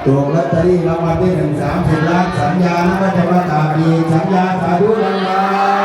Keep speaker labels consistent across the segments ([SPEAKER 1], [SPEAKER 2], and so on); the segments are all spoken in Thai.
[SPEAKER 1] ถูกลอตเตอรี่รางวัลที่1 30 ล้านสัญญานะว่าจะประกาศดีสัญญาสาธุดังๆ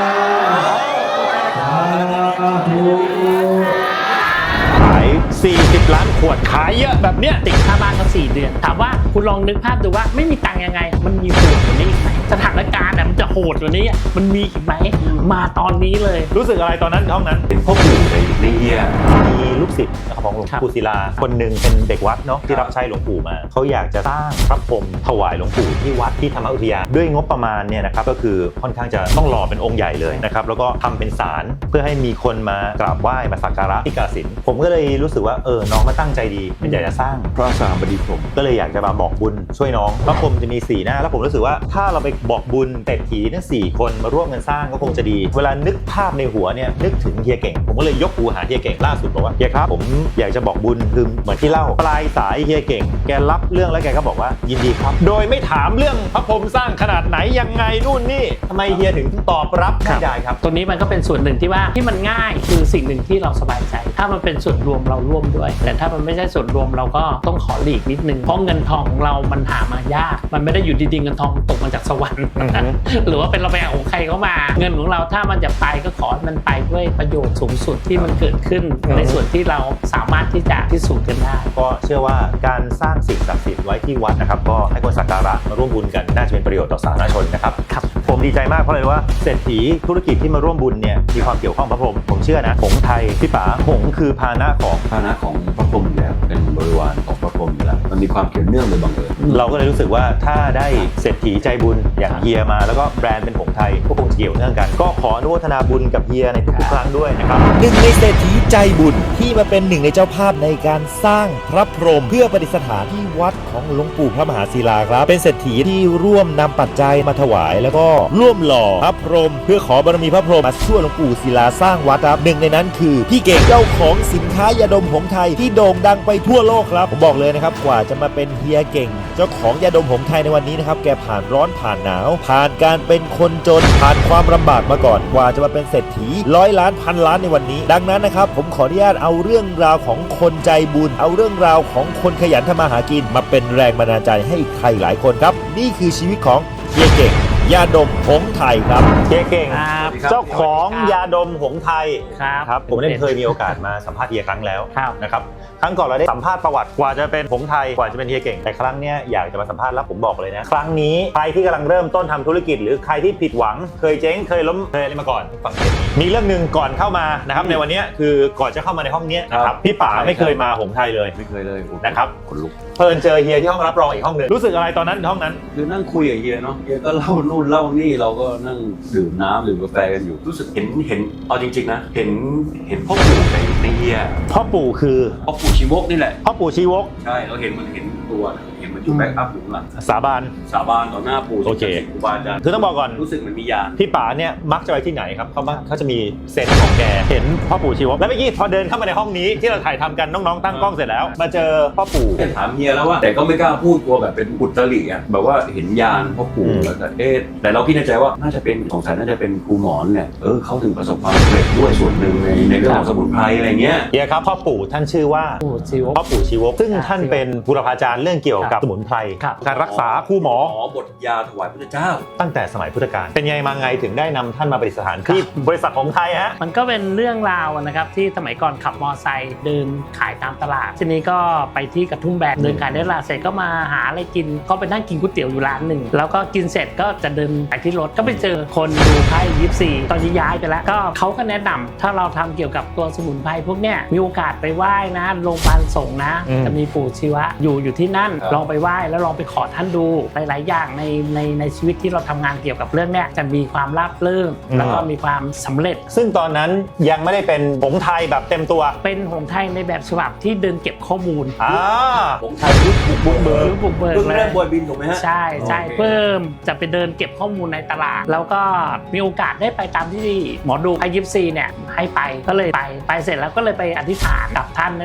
[SPEAKER 1] สาธุ
[SPEAKER 2] ขาย40 ล้านขวดขายเยอะแบบเนี้ย
[SPEAKER 3] ติดค่าบ้านก็4 เดือนถามว่าคุณลองนึกภาพดูว่าไม่มีตังค์ยังไงมันมีโหดกว่านี้อีกไหมสถานการณ์มันจะโหดกว่านี้มันมีอีกไหมมาตอนนี้เลย
[SPEAKER 2] รู้สึกอะไรตอนนั้นห้องนั้น
[SPEAKER 4] เป็นพ่อปู่ในเฮีย
[SPEAKER 2] มีลูกศิษย์ของหลวง
[SPEAKER 3] ครับ
[SPEAKER 2] ปู่ศิลาคนหนึ่งเป็นเด็กวัดเนาะที่รับใช้หลวงปู่มาเขาอยากจะสร้างพระพรหมถวายหลวงปู่ที่วัดที่ธรรมอุทยานด้วยงบประมาณเนี่ยนะครับก็คือค่อนข้างจะต้องหล่อเป็นองค์ใหญ่เลยนะครับแล้วก็ทำเป็นศาลเพื่อให้มีคนมากราบไหว้มาสักการะที่กาฬสินธุ์ผมก็เลยรู้สึกว่าน้องมาตั้งใจดีเป็นอยากจะสร้าง
[SPEAKER 4] พระสามบดีผม
[SPEAKER 2] ก็เลยอยากจะมาบอกบุญช่วยน้องพระพรหมจะมี4 หน้าแล้วผมรู้สึกว่าถ้าเราไปบอกบุญเศรษฐีทั้ง4 คนมาร่วมกันสร้างก็คงจะดี เวลานึกภาพในหัวเนี่ยนึกถึงเฮียเก่งผมก็เลยยกหูหาเฮียเก่งล่าสุดบอกว่าเฮียครับผมอยากจะบอกบุญคือเหมือนที่เล่าปลายสายเฮียเก่งแกรับเรื่องแล้วแกก็บอกว่ายินดีครับโดยไม่ถามเรื่องพระพรหมสร้างขนาดไหนยังไงนู่นนี่ทำไมเฮียถึงตอบรับได้ครับ
[SPEAKER 3] ตัวนี้มันก็เป็นส่วนหนึ่งที่ว่าที่มันง่ายคือสิ่งหนึ่งที่เราสบายใจ ถ้ามันเป็นส่วนรวมเราร่วมด้วย แต่ถ้ามันไม่ใช่ส่วนรวมเราก็ต้องขอหลีกนิดนึงเพราะเงินทองของเรามันหามายากมันไม่ได้อยู่ดีๆเงินทองตกมาจากสวรรค์ หรือว่าเป็นเราไปเอาของใครเข้ามาเงินของเราถ้ามันจะไปก็ขอให้มันไปด้วยประโยชน์สูงสุดที่มันเกิดขึ้นในส่วนที่เราสามารถที่จะพิสูจน์กันได้
[SPEAKER 2] ก็เชื่อว่าการสร้างสิ่งศักดิ์สิทธิ์ไว้ที่วัดนะครับก็ให้คนสักการะมาร่วมบุญกันน่าจะเป็นประโยชน์ต่อสาธารณชนนะครับ
[SPEAKER 3] ครับ
[SPEAKER 2] ผมดีใจมากเพราะเลยว่าเศรษฐีธุรกิจที่มาร่วมบุญเนี่ยมีความเกี่ยวข้องพระพรหมผมเชื่อนะหงส์ไทยพี่ป๋าหงส์คือพาหนะของ
[SPEAKER 4] พาหนะของพระพรหมอยู่แล้วเป็นบริวารของพระพรหมอยู่แล้วมันมีความเกี่ยวเนื่องโดยบังเอิญ
[SPEAKER 2] เราก็เลยรู้สึกว่าถ้าได้เศรษฐีใจบุญอย่างเฮียมาแล้วก็แบรนด์เป็นหงส์ไทยก็คงจะเกี่ยวเนื่องกัน ก็ขออนุโมทนาบุญกับเฮียในทุกๆครั้งด้วยนะครับ
[SPEAKER 5] หนึ่งในเศรษฐีใจบุญที่มาเป็นหนึ่งในเจ้าภาพในการสร้างพระพรหมเพื่อประดิษฐานที่วัดของหลวงปู่พระมหาศิลาครับเป็นเศรษฐีที่ร่วมนำปัจจัยมาถวายแล้วก็ร่วมหล่อพระพรหมเพื่อขอบารมีพระพรหมมาช่วยหลวงปู่ศิลาสร้างวัดครับหนึ่งในนั้นคือพี่เก่งเจ้าของสินค้ายาดมหงส์ไทยที่โด่งดังไปทั่วโลกครับผมบอกเลยนะครับกว่าจะมาเป็นเฮียเก่งเจ้าของยาดมหงส์ไทยในวันนี้นะครับแกผ่านร้อนผ่านหนาวผ่านการเป็นคนจนผ่านความลำบากมาก่อนกว่าจะมาเป็นเศรษฐี100 ล้านพันล้านในวันนี้ดังนั้นนะครับผมขออนุญาตเอาเรื่องราวของคนใจบุญเอาเรื่องราวของคนขยันทำมาหากินมาเป็นแรงบันดาลใจให้ใครหลายคนครับนี่คือชีวิตของเฮียเก่งยาดมหงส์ไทยครับ
[SPEAKER 2] เฮียเก่ง
[SPEAKER 3] ครับ
[SPEAKER 2] เจ้าของยาดมหงส์ไทย
[SPEAKER 3] ครับ
[SPEAKER 2] ครับผมได้เคยมีโอกาสมาสัมภาษณ์เฮียครั้งแล้ว
[SPEAKER 3] ครับ
[SPEAKER 2] นะครับครั้งก่อนเราได้สัมภาษณ์ประวัติกว่าจะเป็นหงส์ไทยกว่าจะเป็นเฮียเก่งแต่ครั้งเนี้ยอยากจะมาสัมภาษณ์แล้วผมบอกเลยนะครั้งนี้ใครที่กำลังเริ่มต้นทำธุรกิจหรือใครที่ผิดหวังเคยเจ๊งเคยล้มเคยอะไรมาก่อนฟังเทปนี้มีเรื่องหนึ่งก่อนเข้ามานะครับในวันนี้คือก่อนจะเข้ามาในห้องเนี้ยนะครับพี่ป๋าไม่เคยมาหงส์ไทยเลย
[SPEAKER 4] ไม่เคยเลย
[SPEAKER 2] นะครับ
[SPEAKER 4] ขนลุก
[SPEAKER 2] เพิ่นเจอเฮียที่ห้องรับรองอีกห้องหนึ่งรู้สึกอะไรตอนนั้นห้องนั้น
[SPEAKER 4] คือนั่งคุยกับเฮียเนาะเฮียก็เล่านู่นเล่านี่เราก็นั่งดื่มน้ำดื่มกาแฟกันอยู่รู้สึกเห็นเอาจริงๆนะเห็นพ่อปู่ในเฮีย
[SPEAKER 2] พ่อปู่คือ
[SPEAKER 4] พ่อปู่ชีวกนี่แหละ
[SPEAKER 2] พ่อปู่ชีวก
[SPEAKER 4] ใช่เราเห็นตัวนะเห็นมันอยู่แบ็กอัพอยู่ข้างหลัง
[SPEAKER 2] สาบาน
[SPEAKER 4] สาบานต่อหน้าปู่
[SPEAKER 2] โอเค
[SPEAKER 4] ครูบาอาจารย์
[SPEAKER 2] คือต้องบอกก่อน
[SPEAKER 4] รู้สึกเหมือนมียา
[SPEAKER 2] พี่ป๋าเนี่ยมักจะไปที่ไหนครับเขาจะมีเซนส์ของแกเห็นพ่อปู่ชีวกแล้วเมื่อกี้พอเดินเข้ามาในห้องนี้ที่เราถ่ายทำกันน้องๆตั้งกล้องเสร็จแล้วมาเจอพ่อปู่
[SPEAKER 4] ถามเฮียแล้วว่าแต่ก็ไม่กล้าพูดกลัวแบบเป็นอุตริอ่ะแบบว่าเห็นยานพ่อปู่แล้วแต่แต่เราคิดในใจว่าน่าจะเป็นสงสัยน่าจะเป็นครูหมอนเนี่ยเขาถึงประสบความสำเร็จด้วยส่วนหนึ่งในเรื่องของสมุนไพรอะไรเงี้ย
[SPEAKER 2] เฮียครับพ่อปู่ท่านชื่อว่า
[SPEAKER 3] ปู่ชีวก
[SPEAKER 2] พ่อปู่ชีวกซึ่งท่านเป็นบุรพาจารย์เรื่องเกี่ยวกับสมุนไพร
[SPEAKER 3] ครับ
[SPEAKER 2] การรักษาคู่หมอ
[SPEAKER 4] บทยาถวายพระเจ้า
[SPEAKER 2] ตั้งแต่สมัยพุทธกาลเป็นไงมาไงถึงได้นำท่านมาประดิษฐานที่บริษัทของไทยฮะ
[SPEAKER 3] มันก็เป็นเรื่องราวนะครับที่สมัยก่อนขับมอไซค์เดินขายตามตลาดทีนี้ก็ไปที่กระทุ่มแบนเดินขายได้ตลาดเสร็จก็มาหาอะไรกินก็ไปนั่งกินก๋วยเตี๋ยวอยู่ร้านหนึ่งแล้วก็กินเสร็จก็จะเดินไปที่รถก็ไปเจอคนดูไพ่24ตอนนี้ย้ายไปแล้วก็เขาก็แนะนำถ้าเราทำเกี่ยวกับตัวสมุนไพรพวกเนี้ยมีโอกาสไปไหว้นะโรงพยาบาลสงฆ์นะจะมีปู่ชีวะอยู่ที่นั่นลองไปไหว้แล้วลองไปขอท่านดูหลายๆอย่างในชีวิตที่เราทำงานเกี่ยวกับเรื่องเนี้ยจะมีความราบรื่นแล้วก็มีความสำเร็จ
[SPEAKER 2] ซึ่งตอนนั้นยังไม่ได้เป็นหงส์ไทยแบบเต็มตัว
[SPEAKER 3] เป็นหงส์ไทยในแบบฉบับที่เดินเก็บข้อมูล
[SPEAKER 4] ผมไทยยุคบุกเบิก
[SPEAKER 3] บุกเบิก
[SPEAKER 4] เพิ่ง
[SPEAKER 3] เล
[SPEAKER 4] เริ่
[SPEAKER 3] ย
[SPEAKER 4] มบอยบินถูกไหมฮะ
[SPEAKER 3] ใช่ใช่
[SPEAKER 4] โอเค
[SPEAKER 3] เพิ่มจะไปเดินเก็บข้อมูลในตลาด แล้วก็มีโอกาสได้ไปตามที่หมอดูไพ่ยิปซีเนี่ยให้ไปก็เลยไปเสร็จแล้วก็เลยไปอธิษฐานกับท่านนั่นแหละ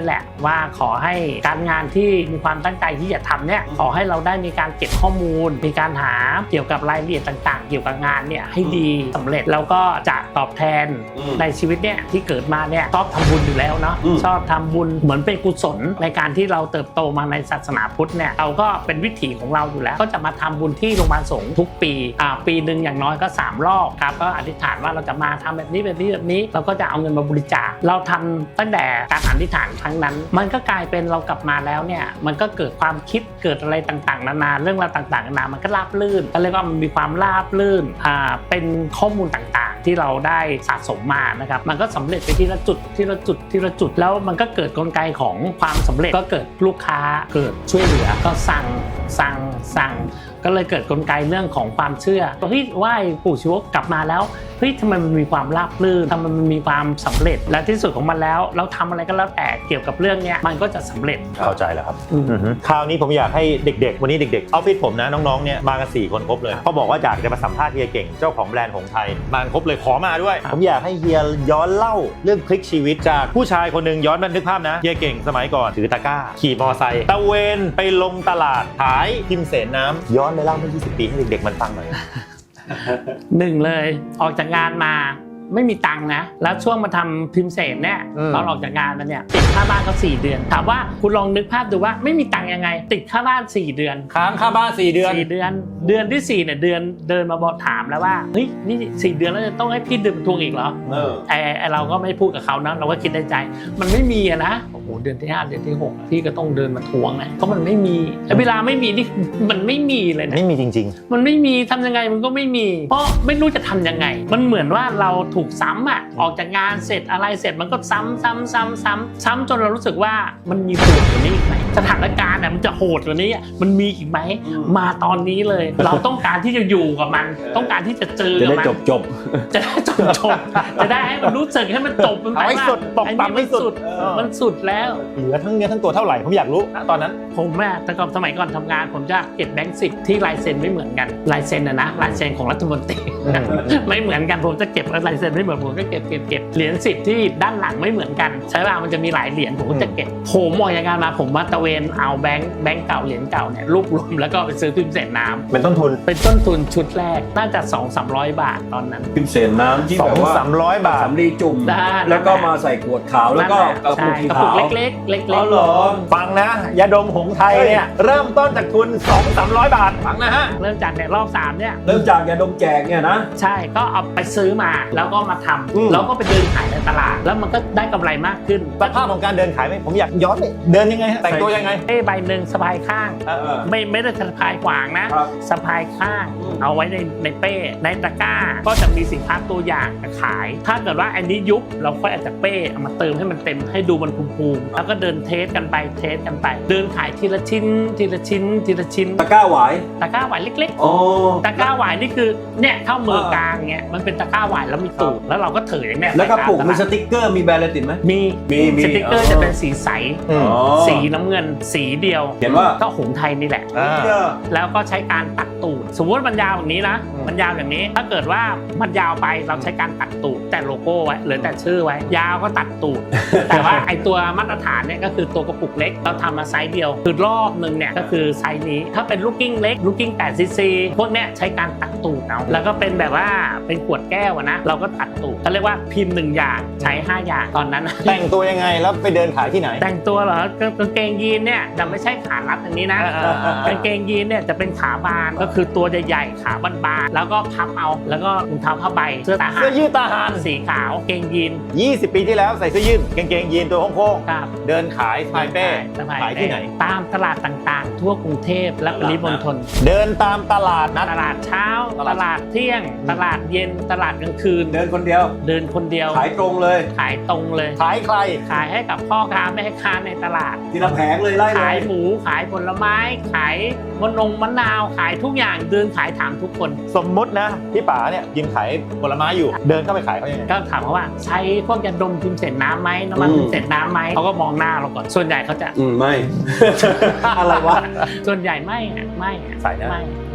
[SPEAKER 3] ว่าขอให้การงานที่มีความตั้งใจที่จะทำเนี่ยขอให้เราได้มีการเก็บข้อมูลมีการหาเกี่ยวกับรายละเอียดต่างๆเกี่ยวกับงานเนี่ยให้ดีสำเร็จแล้วก็จะตอบแทนในชีวิตเนี่ยที่เกิดมาเนี่ยชอบทำบุญอยู่แล้วเนาะชอบทำบุญเหมือนเป็นกุศลในการที่เราเติบโตมาในศาสนาพุทธเนี่ยเราก็เป็นวิถีของเราอยู่แล้วก็จะมาทำบุญที่โรงพยาบาลสงฆ์ทุกปีปีหนึ่งอย่างน้อยก็3 รอบครับก็อธิษฐานว่าเราจะมาทำแบบนี้เราก็จะเอาเงินมาบริจาคเราทำตั้งแต่การอธิษฐานครั้งนั้นมันก็กลายเป็นเรากลับมาแล้วเนี่ยมันก็เกิดความคิดเกิดอะไรต่างๆนานาเรื่องราวต่างๆนานามันก็ราบรื่นก็เรียกว่ามันมีความราบรื่นเป็นข้อมูลต่างๆที่เราได้สะสมมานะครับมันก็สำเร็จไปทีละจุดแล้วมันก็เกิดกลไกของความสำเร็จก็เกิดลูกค้าเกิดช่วยเหลือก็สั่งก็เลยเกิดกลไกเรื่องของความเชื่อเฮ้ยไหว้ปู่ชีวกกลับมาแล้วเฮ้ยทำไมมันมีความราบรื่นทำไมมันมีความสำเร็จและที่สุดของมันแล้วเราทำอะไรก็แล้วแต่เกี่ยวกับเรื่องนี้มันก็จะสำเร็จ
[SPEAKER 2] เข้าใจแล้วครับคราวนี้ผมอยากให้เด็กๆวันนี้เด็กๆออฟฟิศผมนะน้องๆเนี่ยมากัน4 คนครบเลยเขาบอกว่าอยากจะมาสัมภาษณ์เฮียเก่งเจ้าของแบรนด์หงส์ไทยมาครบเลยขอมาด้วยผมอยากให้เฮียย้อนเล่าเรื่องพลิกชีวิตจากผู้ชายคนหนึ่งย้อนนึกภาพนะเฮียเก่งสมัยก่อนถือตะกร้าขี่มอไซค์ตะเวนไปลงตลาดขายพิมเสนน้ำย้อนไปเล่าเมื่อ20 ปีให้เด็กๆมันฟังหน่อย
[SPEAKER 3] หนึ่งเลยออกจากงานมาไม่มีตังค์นะแล้วช่วงมาทำพิมพ์เสนเนี่ยตอนออกจากงานมาเนี่ยติดค่าบ้านเขา4 เดือนถามว่าคุณลองนึกภาพดูว่าไม่มีตังค์ยังไงติดค่าบ้าน4 เดือน
[SPEAKER 2] ค้างค่าบ้าน4 เดือน
[SPEAKER 3] เดือนที่4เนี่ยเดินมาบอกถามแล้วว่าเฮ้ยนี่4 เดือนแล้วจะต้องให้พี่เดินทวงอีกเหรอเราก็ไม่พูดกับเขานะเราก็คิดในใจมันไม่มีนะโอ้โหเดือนที่5เดือนที่6พี่ก็ต้องเดินมาทวงนะเพราะมันไม่มีเวลาไม่มีนี่มันไม่มีเลยนะ
[SPEAKER 2] ไม่มีจริง
[SPEAKER 3] ๆมันไม่มีทำยังไงมันก็ไม่มีเพราะไม่รู้จะทำยังไงมันเหมือนว่าเราถูกซ้ำออกจากงานเสร็จอะไรเสร็จมันก็ซ้ำจนเรารู้สึกว่ามันมีโหดกว่านี้อีกไหมสถานการณ์มันจะโหดกว่านี้มันมีอีกไหมมาตอนนี้เลยเราต้องการที่จะอยู่กับมันต้องการที่จะเจอกับมัน
[SPEAKER 4] จบ
[SPEAKER 3] จะได้จบจะได้ให้มันรู้สึกให้มันจบมันไปสุดตกต่ำไม่สุดมันสุดแล้ว
[SPEAKER 2] เหลือทั้งเนื้อทั้งตัวเท่าไหร่ผมอยากรู้ตอนนั้น
[SPEAKER 3] ผมแต่ก่อนสมัยก่อนทำงานผมจะเก็บแบงค์10ที่ลายเซ็นไม่เหมือนกันลายเซ็นนะลายเซ็นของรัฐมนตรีไม่เหมือนกันผมจะเก็บลายเซ็นไม่เหมือนผมก็เก็บเหรียญ10ที่ด้านหลังไม่เหมือนกันใช่ป่ะมันจะมีหลายเหรียญผมก็จะเก็บผมออกจากงานมาผมมาตะเวนเอาแบงค์เก่าเหรียญเก่าเนี่ยรวบรวมแล้วก็ไปซื้อพิมพ์เสนน้ำ
[SPEAKER 2] เป็นต้นทุน
[SPEAKER 3] ชุดแรกน่าจะ 200-300 บาทตอนนั้น
[SPEAKER 4] พิมพ์เสนน้ำที่แบบว่า
[SPEAKER 2] 200-300 บาท
[SPEAKER 4] สำลีจุ่มแล้วก็มาใส่ขวดขาวแล้วก็กระปุกขาว
[SPEAKER 3] เล็ก
[SPEAKER 4] อ๋อเหรอ
[SPEAKER 2] ฟังนะยาดมหงส์ไทยเนี่ยเริ่มต้นจากทุน 200-300 บาทฟังนะฮะ
[SPEAKER 3] เริ่มจากเนี่ยรอบ3เนี่ย
[SPEAKER 4] เริ่มจากยาดมแจกเนี่ยนะ
[SPEAKER 3] ใช่ก็เอาไปซื้อมาแล้วก็มาทำแล้วก็ไปเดินขายในตลาดแล้วมันก็ได้กำไรมากขึ้น
[SPEAKER 2] สภาพของการเดินขายไหมผมอยากย้อนเลยเดินยังไงแต่งตัวยังไง
[SPEAKER 3] ใบหนึ่งสะพายข้างไม่ได้สะพายขวางนะสะพายข้างเอาไว้ในเป้ในตะกร้าก็จะมีสินค้าตัวอย่างขายถ้าเกิดว่าอันนี้ยุบเราค่อยอาจจะเป้เอามาเติมให้มันเต็มให้ดูมันภูมิแล้วก็เดินเทสกันไปเดินขายทีละชิ้น
[SPEAKER 4] ตะกร้าหวาย
[SPEAKER 3] เล็กๆตะกร้าหวายนี่คือเนี่ยเท่ามือกลางเงี้ยมันเป็นตะกร้าหวายแล้วมีตูดแล้วเราก็ถืออย่างเนี้ย
[SPEAKER 4] แล้วก็ปลูกมีสติ๊กเกอร์มีแบรนด์อะไรติดไหม
[SPEAKER 3] มีสติ๊กเกอร์จะเป็นสีใสสีน้ำเงินสีเดียว
[SPEAKER 4] เห็นว่า
[SPEAKER 3] ก็หงส์ไทยนี่แหละแล้วก็ใช้การตัดตูดสมมติมันยาวอย่างนี้นะมันยาวอย่างนี้ถ้าเกิดว่ามันยาวไปเราใช้การตัดตูดแต่โลโก้ไว้หรือแต่ชื่อไว้ยาวก็ตัดตูดแต่ว่าไอตัวมาตรฐานเนี่ยก็คือตัวกระปุกเล็กเราทำมาไซส์เดียวคือรอบนึงเนี่ยก็คือไซส์นี้ถ้าเป็นลูกกิ้งเล็กลูกกิ้ง8 cc พวกเนี้ยใช้การตัดตูดเอาแล้วก็เป็นแบบว่าเป็นขวดแก้วนะเราก็ตัดตูดเขาเรียกว่าพิมพ์1อย่างใช้5อย่างตอนนั้น
[SPEAKER 2] แต่งตัวยังไงแล้วไปเดินขายที่ไหน
[SPEAKER 3] แต่งตัวเหรอกางเกงยีนเนี่ยจะไม่ใช่ขารัดอย่างนี้นะกางเกงยีนเนี่ยจะเป็นขาบานก็คือตัวใหญ่ๆขาบานๆแล้วก็พับเอาแล้วก็รองเท้าผ้าใบเสื้อ
[SPEAKER 2] ยืดทหาร
[SPEAKER 3] สีขาวเกงยีน
[SPEAKER 2] 20 ปีที่แล้วใส่เสื้อยืดกางเกงยีนตัวโค้งๆเดินขายสายเป้ขายที่ไหน
[SPEAKER 3] ตามตลาดต่างๆทั่วกรุงเทพและปริมณฑล
[SPEAKER 2] เดินตามตลาดนัด
[SPEAKER 3] ตลาดเช้าตลาดเที่ยงตลาดเย็นตลาดกลางคืน
[SPEAKER 4] เดินคนเดียวขายตรงเลย
[SPEAKER 3] ขาย
[SPEAKER 2] ใคร
[SPEAKER 3] ขายให้กับพ่อค้าแม่ค้าในตลาด
[SPEAKER 4] ทีละแผงเลยไล่
[SPEAKER 3] ขายหมูขายผลไม้ขายมะนาวขายทุกอย่างเดินขายถามทุกคน
[SPEAKER 2] สมมุตินะพี่ป๋าเนี่ยยิงขายผลไม้อยู่เดินเข้าไปขายเขายังไง
[SPEAKER 3] ก็ถามเขาว่าใช้พวกยาดมพิมพ์เสนน้ำไหมน้ำมันพิมพ์เสนน้ำไหมเขาก็มองหน้าเราก่อนส่วนใหญ่เขาจะ
[SPEAKER 4] ไม่ อะไรวะ
[SPEAKER 3] ส่วนใหญ่ไม่
[SPEAKER 2] ใส่นะ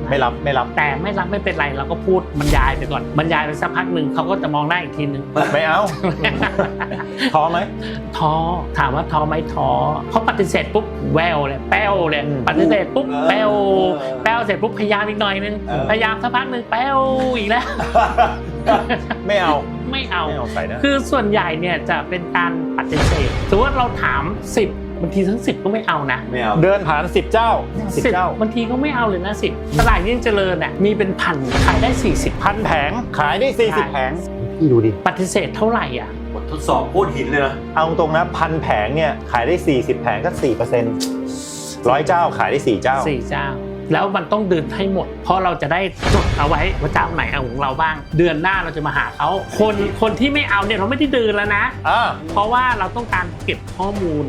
[SPEAKER 2] ไม่รับ
[SPEAKER 3] แต่ไม่รับไม่เป็นไรเราก็พูดบรรยายไปก่อนบรรยายไปสักพักหนึ่งเขาก็จะมองหน้าอีกทีนึง
[SPEAKER 2] ไม่เอา ท้อไหม
[SPEAKER 3] ท้อถามว่าท้อไหมท้อเขาปฏิเสธปุ๊บแววเลยแป้วเลยปฏิเสธปุ๊บแป้วเสร็จปุ๊บพยายามอีกหน่อยนึงพยายามสักพักหนึ่งแป้วอีกแล้ว
[SPEAKER 2] ไม่เอา
[SPEAKER 3] ไม่เอา
[SPEAKER 2] ใส่นะ
[SPEAKER 3] คือส่วนใหญ่เนี่ยจะเป็นการปฏิเสธสมมติว่าเราถาม10บางทีทั้ง10ก็ไม่เอานะ
[SPEAKER 4] ไม่เอา
[SPEAKER 2] เดินผ่าน10 เจ้า10 เจ้า
[SPEAKER 3] บางทีก็ไม่เอาเลยนะ10ตลาดยิ่งเจริญเนี่ยมีเป็นพันขายได้40
[SPEAKER 2] พันแผงขายได้40 แผงพี่ดูดิ
[SPEAKER 3] ปฏิเสธเท่าไหร่อ่ะ
[SPEAKER 4] บททดสอบโคตรหินเลยนะ
[SPEAKER 2] เอาตรงนะพันแผงเนี่ยขายได้40 แผงก็ 4% 100 เจ้าขายได้4 เจ้า
[SPEAKER 3] 4 เจ้าแล้วมันต้องเดินให้หมดเพราะเราจะได้จดเอาไว้ว่าเจ้าไหนเอาของเราบ้างเดือนหน้าเราจะมาหาเขาคนที่ไม่เอาเนี่ยเราไม่ได้เดินแล้วนะเพราะว่าเราต้องการเก็บข้อมูล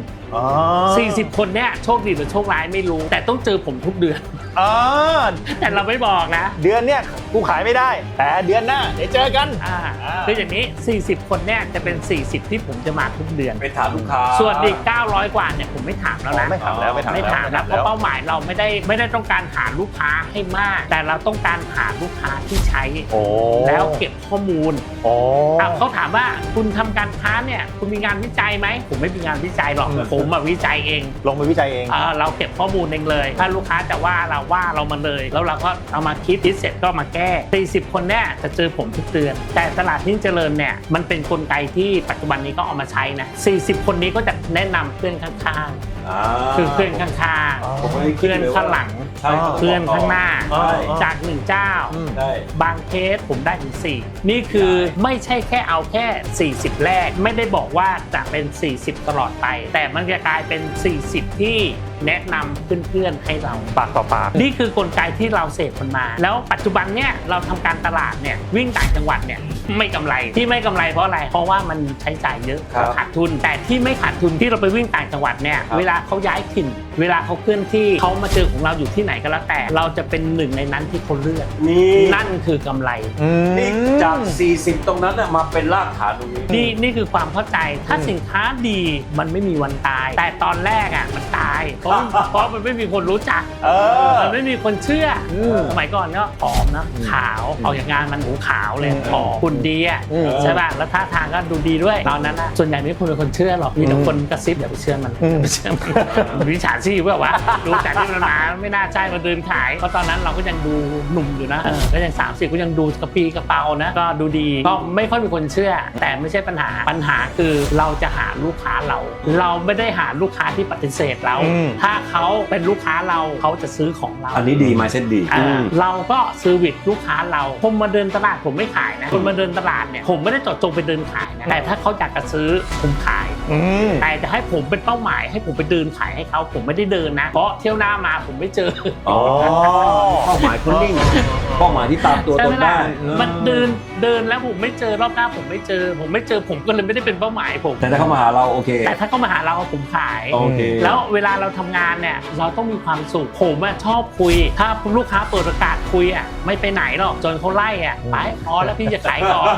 [SPEAKER 3] 40 คนเนี่ยโชคดีหรือโชคร้ายไม่รู้แต่ต้องเจอผมทุกเดือนแต่เราไม่บอกนะ
[SPEAKER 2] เดือนเนี่ยกูขายไม่ได้แต่เดือนหน้าเดี๋ยวเจอกัน
[SPEAKER 3] คืออย่างนี้40 คนเนี่ยจะเป็น40ที่ผมจะมาทุกเดือน
[SPEAKER 4] ไปถามลูกค้า
[SPEAKER 3] ส่วนอีก900 กว่าเนี่ยผมไม่ถามแล้วนะ
[SPEAKER 2] ไม่ถามแล้วเพ
[SPEAKER 3] ราะเป้าหมายเราไม่ได้ต้องการหาลูกค้าให้มากแต่เราต้องการหาลูกค้าที่ใช้แล้วเก็บข้อมูลเขาถามว่าคุณทำการค้าเนี่ยคุณมีงานวิจัยไหมผมไม่มีงานวิจัยหรอกผมมาวิจัยเอง
[SPEAKER 2] ลงไปวิจัยเอง
[SPEAKER 3] เราเก็บข้อมูลเองเลยถ้าลูกค้าจะว่าเรามาเลยแล้วเราก็เอามาคิดเสร็จก็มาแก้40 คนเนี่ยจะเจอผมทุกเดือนแต่ตลาดยิ่งเจริญเนี่ยมันเป็นกลไกที่ปัจจุบันนี้ก็เอามาใช้นะ40 คนนี้ก็จะแนะนำเพื่อนข้างๆคือเพื่อนข้างๆเพื่อนข้างหลังเพื่อนข้างหน้าจาก1 เจ้าบางเคสผมได้ถึง4นี่คือไม่ใช่แค่เอาแค่40แรกไม่ได้บอกว่าจะเป็น40ตลอดไปแต่มันจะกลายเป็น40ที่แนะนำเพื่อนๆให้เรา
[SPEAKER 2] ปากต่อปาก
[SPEAKER 3] นี่คือกลไกที่เราเสพมันมาแล้วปัจจุบันเนี่ยเราทำการตลาดเนี่ยวิ่งต่างจังหวัดเนี่ยไม่กำไรที่ไม่กำไรเพราะอะไรเพราะว่ามันใช้จ่ายเยอะขาดทุนแต่ที่ไม่ขาดทุนที่เราไปวิ่งต่างจังหวัดเนี่ยเวลาเขาย้ายถิ่นเวลาเขาเคลื่อนที่เขามาเจอของเราอยู่ที่ไหนก็แล้วแต่เราจะเป็นหนึ่งในนั้นที่เขาเลือกนั่นคือกำไร
[SPEAKER 4] นี่จาก40ตรงนั้นมาเป็นรากฐานตรงนี้
[SPEAKER 3] นี่คือความเข้าใจถ้าสินค้าดีมันไม่มีวันตายแต่ตอนแรกอ่ะมันตายเพราะมันไม่มีคนรู้จักมันไม่มีคนเชื่อสมัยก่อนก็ผอมนะขาวออกจากงานมันหูขาวเลยผอมคุณดีอ่ะใช่ป่ะแล้วท่าทางก็ดูดีด้วยตอนนั้นนะส่วนใหญ่ไม่คนเป็นคนเชื่อหรอกมีแต่คนกระซิบอย่าไปเชื่อมันวิชาชีพแบบว่ารู้จักที่มันมาไม่น่าใช่มาเดินขายเพราะตอนนั้นเราก็ยังดูหนุ่มอยู่นะก็ยัง30ก็ยังดูกระปีกระเป๋านะก็ดูดีก็ไม่ค่อยมีคนเชื่อแต่ไม่ใช่ปัญหาคือเราจะหาลูกค้าเราไม่ได้หาลูกค้าที่ปฏิเสธเราถ้าเขาเป็นลูกค้าเราเขาจะซื้อของเรา
[SPEAKER 4] อันนี้ดีมาเส้นดี
[SPEAKER 3] เราก็เซอร์วิสลูกค้าเราผมมาเดินตลาดผมไม่ขายนะคนมาเดินตลาดเนี่ยผมไม่ได้เจาะจงไปเดินขายนะแต่ถ้าเขาอยากจะซื้อผมขายแต่จะให้ผมเป็นเป้าหมายให้ผมไปเดินขายให้เขาผมไม่ได้เดินนะเพราะเที่ยวหน้ามาผมไม่เจอ
[SPEAKER 4] เป้าหมายคุณนิ่งเป้าหมายที่ตามตัวตนได้
[SPEAKER 3] มันเดินแล้วผมไม่เจอรอบหน้าผมไม่เจอผมก็เลยไม่ได้เป็นเป้าหมายผม
[SPEAKER 4] แต่ถ้าเขามาหาเราโอเค
[SPEAKER 3] แต่ถ้าเขามาหาเราผมขายแล้วเวลาเราทำงานเนี่ยเราต้องมีความสุขผมชอบคุยถ้าลูกค้าเปิดโอกาสคุยไม่ไปไหนหรอกจนเขาไล่ไปพอแล้วพี่จะขายก่อน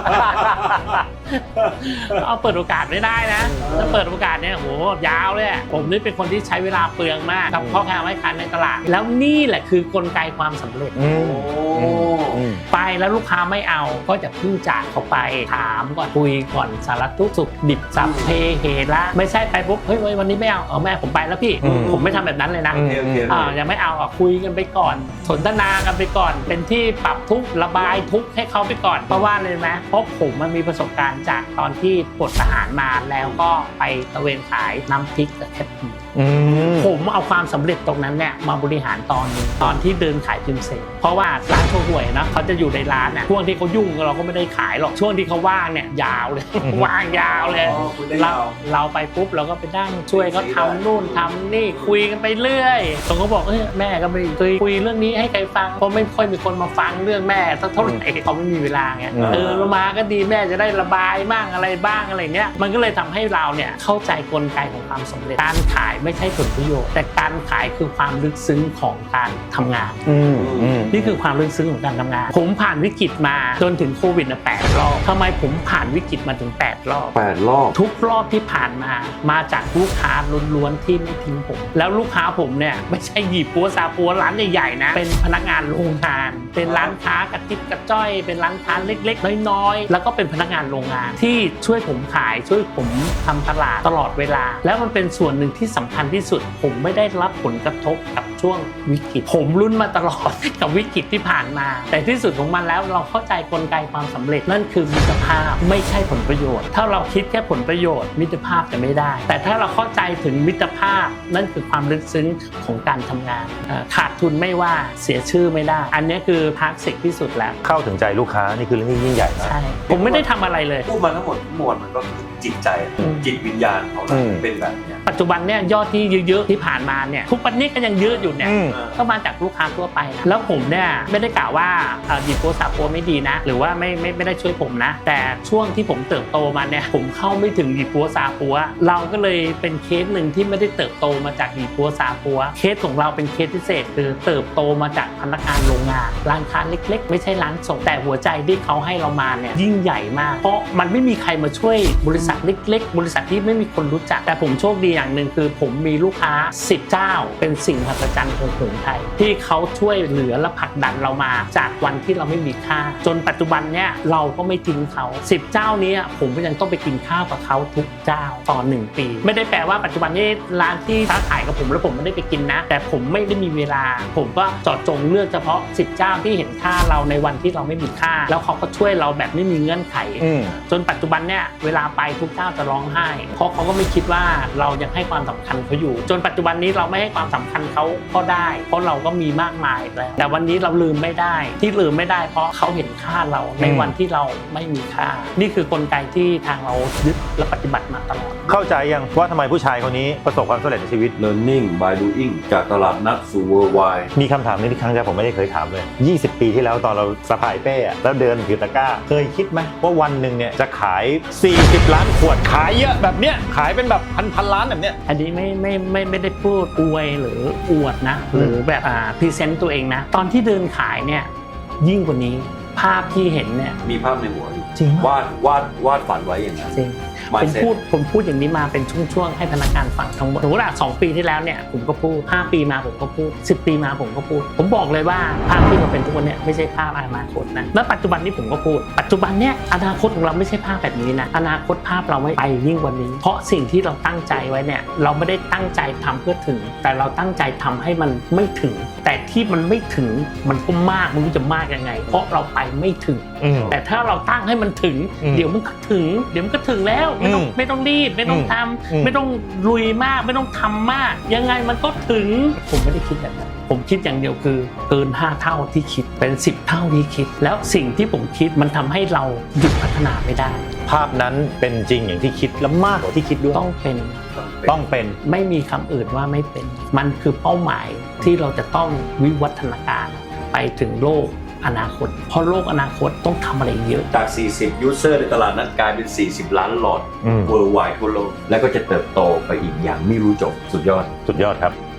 [SPEAKER 3] เอาเปิดโอกาสไม่ได้นะถ้าเปิดโอกาสเนี่ยโหยาวเลยผมนี่เป็นคนที่ใช้เวลาเปลืองมากกับพ่อค้าแม่ค้าในตลาดแล้วนี่แหละคือกลไกความสำเร็จไปแล้วลูกค้าไม่เอาก็จะพึ่งจากเขาไปถามก่อนคุยก่อนสารทุกข์สุขดิบสัพเพเหระไม่ใช่ไปปุ๊บเฮ้ยวันนี้ไม่เอาแม่ผมไปแล้วพี่ผมไม่ทำแบบนั้นเลยนะยังไม่เอาคุยกันไปก่อนสนทนากันไปก่อนเป็นที่ปรับทุกข์ระบายทุกข์ให้เขาไปก่อนเพราะว่าเลยนะเพราะผมมันมีประสบการณ์จากตอนที่ปลดทหารมาแล้วก็ไปตะเวนขายน้ำพริกกับแคปหมูผมเอาความสำเร็จตรงนั้นเนี่ยมาบริหารตอนที่เดินขายพิมพ์เสร็จเพราะว่าร้านโชห่วยนะเขาจะอยู่ในร้านช่วงที่เขายุ่งเราก็ไม่ได้ขายหรอกช่วงที่เขาว่างเนี่ยยาวเลยว่างยาวเลยเราไปปุ๊บเราก็ไปนั่งช่วยเขาทำนู่นทำนี่คุยกันไปเรื่อยตรงเขาบอกแม่ก็ไม่เคยคุยเรื่องนี้ให้ใครฟังเพราะไม่ค่อยมีคนมาฟังเรื่องแม่เท่าไหร่เขาไม่มีเวลาไงเรามาก็ดีแม่จะได้ระบายบ้างอะไรบ้างอะไรเนี้ยมันก็เลยทำให้เราเนี่ยเข้าใจกลไกของความสำเร็จการขายไม่ใช่ผลประโยชน์แต่การขายคือความลึกซึ้งของการทำงาน นี่คือความลึกซึ้งของการทำงานผมผ่านวิกฤตมาจนถึงโควิด8 รอบทำไมผมผ่านวิกฤตมาถึง8 รอบ
[SPEAKER 4] 8 รอบ
[SPEAKER 3] ทุกรอบที่ผ่านมาจากลูกค้าล้วนๆที่ไม่ทิ้งผมแล้วลูกค้าผมเนี่ยไม่ใช่หยิบปัวซาปัวร้านใหญ่ๆนะเป็นพนักงานโรงงานเป็นร้านค้ากระติบกระจ้อยเป็นร้านค้าเล็กๆน้อยๆแล้วก็เป็นพนักงานโรงงานที่ช่วยผมขายช่วยผมทำตลาดตลอดเวลาแล้วมันเป็นส่วนหนึ่งที่สำคัญที่สุดผมไม่ได้รับผลกระทบกับช่วงวิกฤตผมลุ้นมาตลอด กับวิกฤตที่ผ่านมาแต่ที่สุดของมันแล้วเราเข้าใจกลไกความสำเร็จนั่นคือมิตรภาพไม่ใช่ผลประโยชน์ถ้าเราคิดแค่ผลประโยชน์มิตรภาพจะไม่ได้แต่ถ้าเราเข้าใจถึงมิตรภาพนั่นคือความลึกซึ้งของการทำงานขาดทุนไม่ว่าเสียชื่อไม่ได้อันนี้คือคลาสสิกที่สุดแล้ว
[SPEAKER 2] เข้าถึงใจลูกค้านี่คือเรื่องที่ยิ่งใหญ่นะ
[SPEAKER 3] ใช่ผมไม่ได้ทำอะไรเลย
[SPEAKER 4] พูดมาทั้งหมดมวลมันก็คือจิตใจจิตวิญญาณของเราเป็นแบบเนี้ย
[SPEAKER 3] ปัจจุบันเนี่ยยอดที่เยอะๆที่ผ่านมาเนี่ยทุกวันนี้ก็ยังเยอะอยู่เนี่ยก็มาจากลูกค้าทั่วไปนะแล้วผมเนี่ยไม่ได้กล่าวว่าดีโปซาโปไม่ดีนะหรือว่าไม่ได้ช่วยผมนะแต่ช่วงที่ผมเติบโตมาเนี่ยผมเข้าไม่ถึงดีโปซาโปเราก็เลยเป็นเคสหนึ่งที่ไม่ได้เติบโตมาจากดีโปซาโปเคสของเราเป็นเคสพิเศษคือเติบโตมาจากพนักงานโรงงานร้านค้าเล็กๆไม่ใช่ร้านส่งแต่หัวใจที่เขาให้เรามาเนี่ยยิ่งใหญ่มากเพราะมันไม่มีใครมาช่วยบริษัทเล็กๆบริษัทที่ไม่มีคนรู้จักแต่ผมโชคดีอย่างหนึ่งคือผมมีลูกค้า10 เจ้าเป็นสิ่งมหัศจรรย์ของหงส์ไทยที่เขาช่วยเหลือและผลักดันเรามาจากวันที่เราไม่มีค่าจนปัจจุบันเนี่ยเราก็ไม่ทิ้งเขา10 เจ้านี้ผมก็ยังต้องไปกินข้าวกับเขาทุกเจ้าต่อ1 ปีไม่ได้แปลว่าปัจจุบันนี้ร้านที่ค้าขายกับผมแล้วผมไม่ได้ไปกินนะแต่ผมไม่ได้มีเวลาผมก็เจาะจงเลือกเฉพาะ10 เจ้าที่เห็นค่าเราในวันที่เราไม่มีค่าแล้วเขาก็ช่วยเราแบบไม่มีเงื่อนไขจนปัจจุบันเนี่ยเวลาไปทุกเจ้าจะร้องไห้เพราะเขาก็ไม่คิดว่าเรายังให้ความสำคัญเขาอยู่จนปัจจุบันนี้เราไม่ให้ความสำคัญเขาก็ได้เพราะเราก็มีมากมายแล้วแต่วันนี้เราลืมไม่ได้ที่ลืมไม่ได้เพราะเขาเห็นค่าเราในวันที่เราไม่มีค่านี่คือกลไกที่ทางเรายึดและปฏิบัติมาตลอด
[SPEAKER 2] เข้าใจยังว่าทำไมผู้ชายคนนี้ประสบความสำเร็จในชีวิต
[SPEAKER 4] learning by doing จากตลาดนัดสู่ worldwide
[SPEAKER 2] มีคำถามนี้ที่ครั้งแรกผมไม่ได้เคยถามเลย20 ปีที่แล้วตอนเราสะพายเป้อะแล้วเดินถือตะกร้าเคยคิดไหมว่าวันหนึ่งเนี่ยจะขาย40 ล้านขวดขายเยอะแบบเนี้ยขายเป็นแบบพันล้านแบบเนี้ย
[SPEAKER 3] อันนี้ไม่ได้พูดอวยหรืออวดนะหรือแบบพรีเซนต์ตัวเองนะตอนที่เดินขายเนี่ยยิ่งกว่านี้ภาพที่เห็นเนี่ย
[SPEAKER 4] มีภาพในหัวอยู่
[SPEAKER 3] จริง
[SPEAKER 4] วาดฝันไว้อย่างนั้น
[SPEAKER 3] จริงผมพูดอย่างนี้มาเป็นช่วงๆให้พนักงานฟังทั้งหมดสมมติว่า2 ปีที่แล้วเนี่ยผมก็พูด5 ปีมาผมก็พูด10 ปีมาผมก็พูดผมบอกเลยว่าภาพที่เราเป็นทุกวันเนี่ยไม่ใช่ภาพอนาคตนะและปัจจุบันนี้ผมก็พูดปัจจุบันเนี่ยอนาคตของเราไม่ใช่ภาพแบบนี้นะอนาคตภาพเราไม่ไปยิ่งกว่านี้เพราะสิ่งที่เราตั้งใจไว้เนี่ยเราไม่ได้ตั้งใจทำเพื่อถึงแต่เราตั้งใจทำให้มันไม่ถึงแต่ที่มันไม่ถึงมันก็มากมันจะมากยังไงเพราะเราไปไม่ถึงแต่ถ้าเราตั้งให้มันถึงเดี๋ยวมันก็ถึงแล้วไม่ต้องรีบไม่ต้องทำไม่ต้องลุยมากไม่ต้องทำมากยังไงมันก็ถึงผมไม่ได้คิดแบบนั้นผมคิดอย่างเดียวคือเกิน5 เท่าที่คิดเป็น10 เท่าที่คิดแล้วสิ่งที่ผมคิดมันทำให้เราหยุดพัฒนาไม่ได้
[SPEAKER 2] ภาพนั้นเป็นจริงอย่างที่คิดและมากกว่าที่คิดด้วย
[SPEAKER 3] ต้องเป็น
[SPEAKER 2] ไม่
[SPEAKER 3] มีคำอื่นว่าไม่เป็นมันคือเป้าหมายที่เราจะต้องวิวัฒนาการไปถึงโลกอนาคตเพราะโลกอนาคตต้องทำอะไรเยอะ
[SPEAKER 4] จาก40 user ในตลาดนั้นกลายเป็น40 ล้านหลอด worldwide ทั่วโลกแล้วก็จะเติบโตไปอีกอย่างไม่รู้จบสุดยอด
[SPEAKER 2] ครับ